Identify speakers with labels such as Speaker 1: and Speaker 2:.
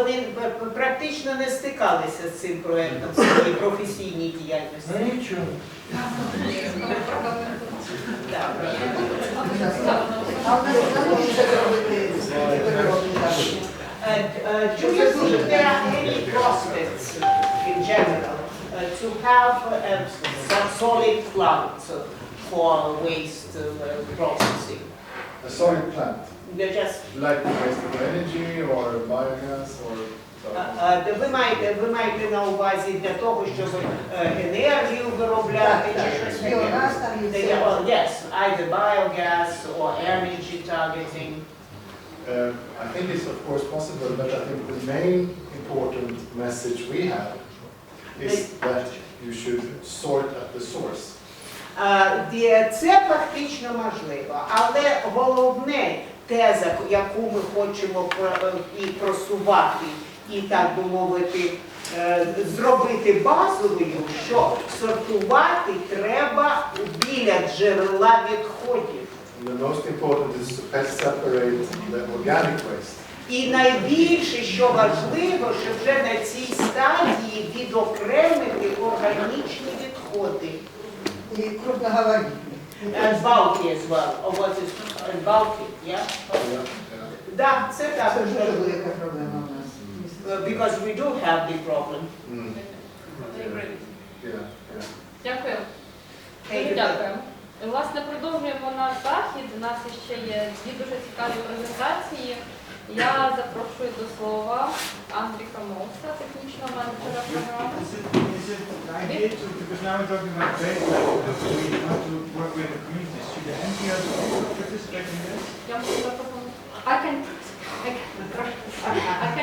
Speaker 1: вони практично не стикалися з цим проєктом в своїй професійній діяльності.
Speaker 2: Ну нічого.
Speaker 1: Так.
Speaker 3: А в нас залишиться зробити виробні дачі.
Speaker 1: Do you think there are any prospects in general to have some solid plant for waste processing?
Speaker 4: A solid plant,
Speaker 1: They're just
Speaker 4: like waste energy or biogas or.
Speaker 1: ви маєте на увазі для того, щоб енергію виробляти чи щось таке?
Speaker 3: Біогаз там є.
Speaker 1: Well, yes, either biogas or energy targeting.
Speaker 4: I think it's of course possible, but I think the main important message we have is that you should sort at the source.
Speaker 1: Це фактично можливо, але головне теза, яку ми хочемо і просувати, і так би мовити, зробити базовою, що сортувати треба біля джерела відходів.
Speaker 4: And the most important is to best separate the organic waste.
Speaker 1: І найбільше, що важливо, що вже на цій стадії відокремити органічні відходи.
Speaker 3: І крупноговорітні.
Speaker 1: And bulky as well. Or what is bulky, yeah? Да, це так.
Speaker 3: Це дуже велика проблема у нас.
Speaker 1: Because we do have the problem.
Speaker 5: Дякую.
Speaker 1: Thank
Speaker 5: Дуже
Speaker 1: you.
Speaker 5: дякуємо. І, власне, продовжуємо наш захід. У нас ще є дві дуже цікаві презентації. Я запрошую до слова Андріка Мовса, технічного менеджера програми.
Speaker 6: Is it the idea to, because now we're talking about data, we want to work with the communities. Should the NGOs also participate in this?
Speaker 5: Я можу запропонувати. I can